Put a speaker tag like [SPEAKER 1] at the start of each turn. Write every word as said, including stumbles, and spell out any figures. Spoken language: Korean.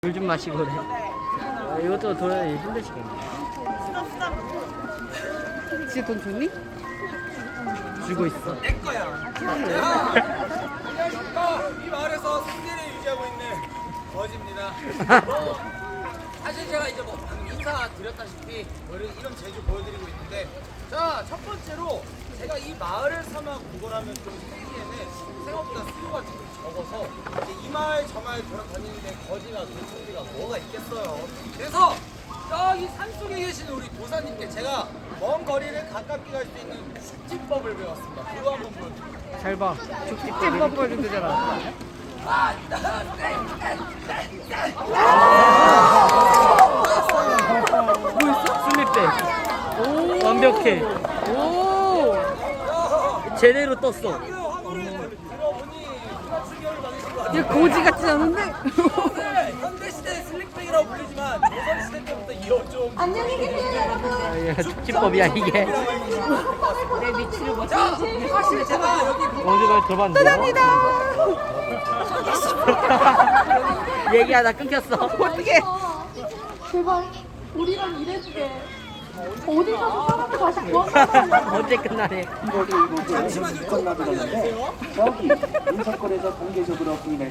[SPEAKER 1] 물 좀 마시고 그래. 아, 이것도 더 힘드시겠네.
[SPEAKER 2] 진짜 돈 줬니?
[SPEAKER 1] 주고 있어.
[SPEAKER 3] 내 거야. 안녕하십니까. 이 마을에서 승리를 유지하고 있는 거지입니다. 뭐, 사실 제가 이제 뭐 방금 인사 드렸다시피 뭐 이런, 이런 제주 보여드리고 있는데, 자, 첫 번째로 제가 이 마을을 삼아 구걸하면 좀 생기에는 생각보다 수요가 좀 적어서 이제 이 마을 저 마을 돌아다니는데 거지가 도청비가 뭐가 있겠어요. 그래서 저기 산속에 계시는 우리 도사님께 제가 먼 거리를 가깝게 갈 수 있는 숙지법을 배웠습니다. 그거 한번 보여드릴게요.
[SPEAKER 1] 잘 봐.
[SPEAKER 2] 찐밥 보여준대잖아.
[SPEAKER 1] 뭐 있어? 슬립백. 완벽해.
[SPEAKER 2] 오!
[SPEAKER 1] 제대로 떴어.
[SPEAKER 3] 그 화물을 들어보니 누가 충격을 받으신 것 같아요.
[SPEAKER 2] 얘 고지 같지 않은데?
[SPEAKER 3] 네, 현대시대 슬릭백이라고 불리지만 조선시대 때부터 이어좀
[SPEAKER 4] 안녕히 계세요, 여러분.
[SPEAKER 1] 아, 이게 숙지법이야 이게.
[SPEAKER 2] 내 위치를 못
[SPEAKER 3] 자, 사실 제가 여기
[SPEAKER 1] 어디가 들어봤는데? 얘기하다 끊겼어.
[SPEAKER 2] 어떻게?
[SPEAKER 4] 제발 우리랑 일해주게. 어디 가서 사람을 다시 구한다고.
[SPEAKER 1] 언제 끝나네.
[SPEAKER 3] 잠시만요.
[SPEAKER 5] 끝나버렸는데 저기 인사권에서 공개적으로 부인할